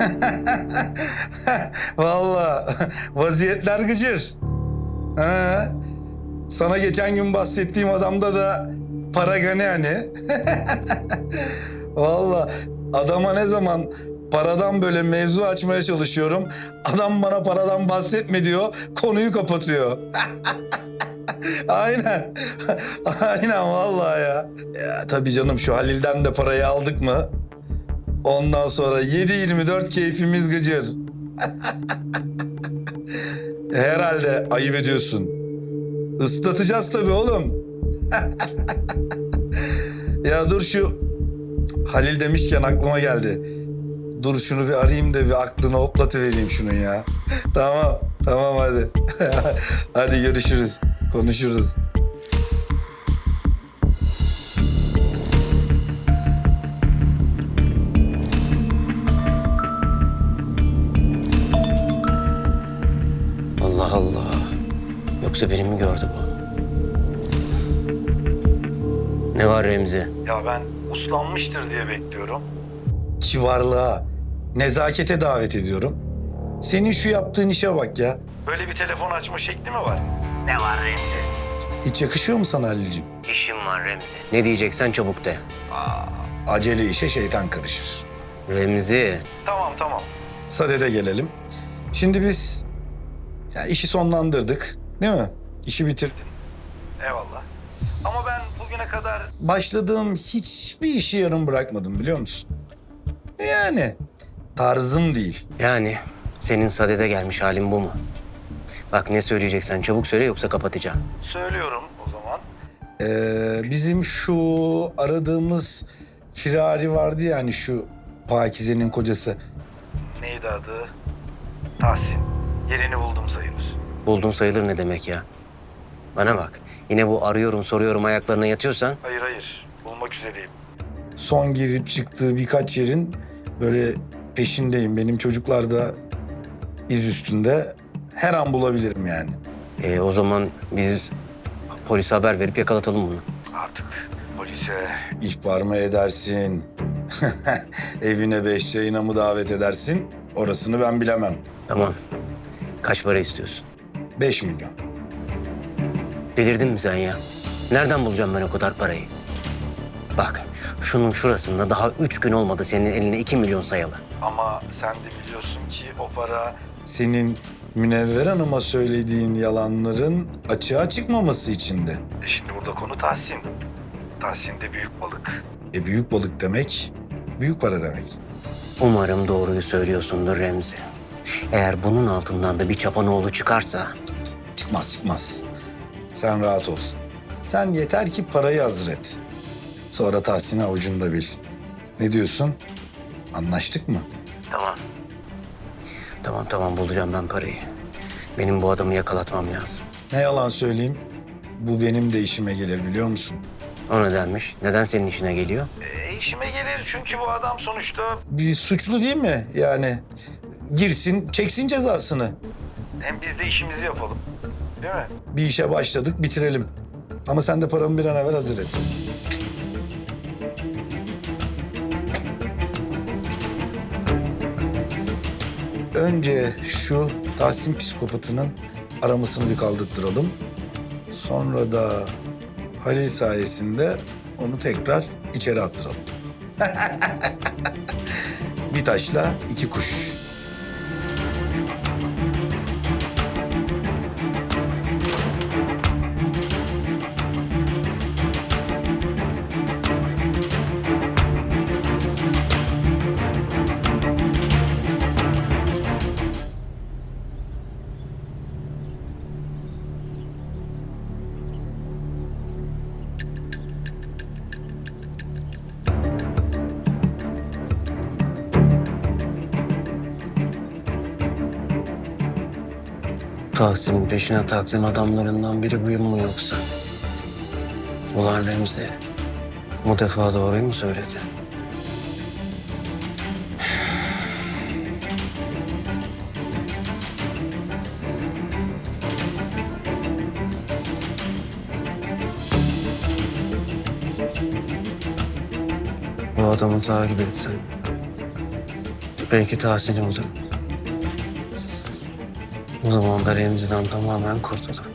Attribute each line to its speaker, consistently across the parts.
Speaker 1: Vallahi vaziyetler gıcır. Ha, sana geçen gün bahsettiğim adamda da para gani hani. Vallahi adama ne zaman paradan böyle mevzu açmaya çalışıyorum. Adam bana paradan bahsetme diyor, konuyu kapatıyor. Aynen. Aynen vallahi ya. Ya tabii canım şu Halil'den de parayı aldık mı? Ondan sonra 7/24 keyfimiz gıcır. Herhalde ayıp ediyorsun. Islatacağız tabii oğlum. Ya dur şu Halil demişken aklıma geldi. Dur şunu bir arayayım da bir aklını hoplatıvereyim şunun ya. Tamam, tamam hadi. Hadi görüşürüz, konuşuruz.
Speaker 2: Allah Allah. Yoksa beni mi gördü bu? Ne var Remzi?
Speaker 1: Ya ben uslanmıştır diye bekliyorum. Kivarlığa, nezakete davet ediyorum. Senin şu yaptığın işe bak ya. Böyle bir telefon açma şekli mi var?
Speaker 2: Ne var Remzi?
Speaker 1: Hiç yakışıyor mu sana Halil'ciğim?
Speaker 2: İşim var Remzi. Ne diyeceksen çabuk de.
Speaker 1: Acele işe şeytan karışır.
Speaker 2: Remzi.
Speaker 1: Tamam tamam. Sadede gelelim. Şimdi biz ya işi sonlandırdık değil mi? İşi bitirdin. Eyvallah. Ama ben bugüne kadar başladığım hiçbir işi yarım bırakmadım biliyor musun? Yani tarzım değil.
Speaker 2: Yani senin sadede gelmiş halin bu mu? Bak ne söyleyeceksen çabuk söyle yoksa kapatacağım.
Speaker 1: Söylüyorum o zaman. Bizim şu aradığımız firari vardı ya hani şu Pakize'nin kocası. Neydi adı? Tahsin. Yerini buldum sayılır.
Speaker 2: Buldum sayılır ne demek ya? Bana bak. Yine bu arıyorum soruyorum ayaklarına yatıyorsan.
Speaker 1: Hayır hayır. Bulmak üzereyim. Son girip çıktığı birkaç yerin böyle peşindeyim. Benim çocuklar da iz üstünde. Her an bulabilirim yani.
Speaker 2: O zaman biz polise haber verip yakalatalım bunu.
Speaker 1: Artık polise ihbar mı edersin? Evine 5 çayına mı davet edersin? Orasını ben bilemem.
Speaker 2: Tamam. Kaç para istiyorsun?
Speaker 1: 5 milyon.
Speaker 2: Delirdin mi sen ya? Nereden bulacağım ben o kadar parayı? Bak şunun şurasında daha 3 gün olmadı senin eline 2 milyon sayalı.
Speaker 1: Ama sen de biliyorsun ki o para... Senin Münevver Hanım'a söylediğin yalanların açığa çıkmaması içindi. Şimdi burada konu Tahsin. Tahsin de büyük balık. Büyük balık demek, büyük para demek.
Speaker 2: Umarım doğruyu söylüyorsundur Remzi. Eğer bunun altından da bir çapanoğlu çıkarsa...
Speaker 1: Çıkmaz çıkmaz. Sen rahat ol. Sen yeter ki parayı hazır et. Sonra Tahsin'i avucunda bil. Ne diyorsun? Anlaştık mı?
Speaker 2: Tamam. Tamam bulacağım ben parayı. Benim bu adamı yakalatmam lazım.
Speaker 1: Ne yalan söyleyeyim. Bu benim de işime gelir biliyor musun?
Speaker 2: O nedenmiş? Neden senin işine geliyor?
Speaker 1: İşime gelir çünkü bu adam sonuçta... Bir suçlu değil mi? Yani girsin, çeksin cezasını. Hem biz de işimizi yapalım. Değil mi? Bir işe başladık, bitirelim. Ama sen de paramı bir an evvel hazır et. Önce şu Tahsin psikopatının aramasını bir kaldırttıralım. Sonra da Halil sayesinde onu tekrar içeri attıralım. Bir taşla iki kuş.
Speaker 2: Tahsin'in peşine taktığın adamlarından biri buyum mu yoksa? Ulan Remzi, bu defa doğruyu mu söyledi? Bu adamı takip etsen Belki tahsili olur. O zaman da Remzi'den tamamen kurtulurum.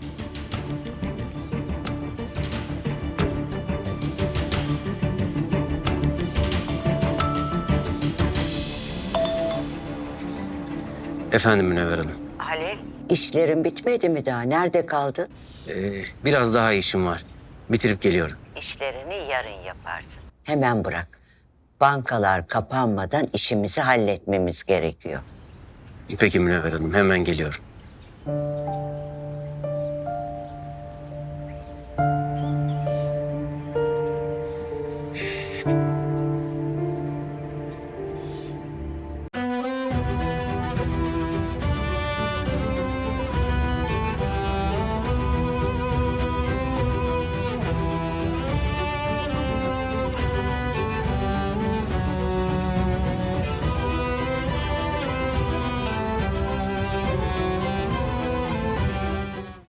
Speaker 2: Efendim Münevver Hanım.
Speaker 3: Halil, işlerin bitmedi mi daha? Nerede kaldın?
Speaker 2: Biraz daha işim var. Bitirip geliyorum.
Speaker 3: İşlerini yarın yaparsın. Hemen bırak. Bankalar kapanmadan işimizi halletmemiz gerekiyor.
Speaker 2: Peki Münevver Hanım, hemen geliyorum.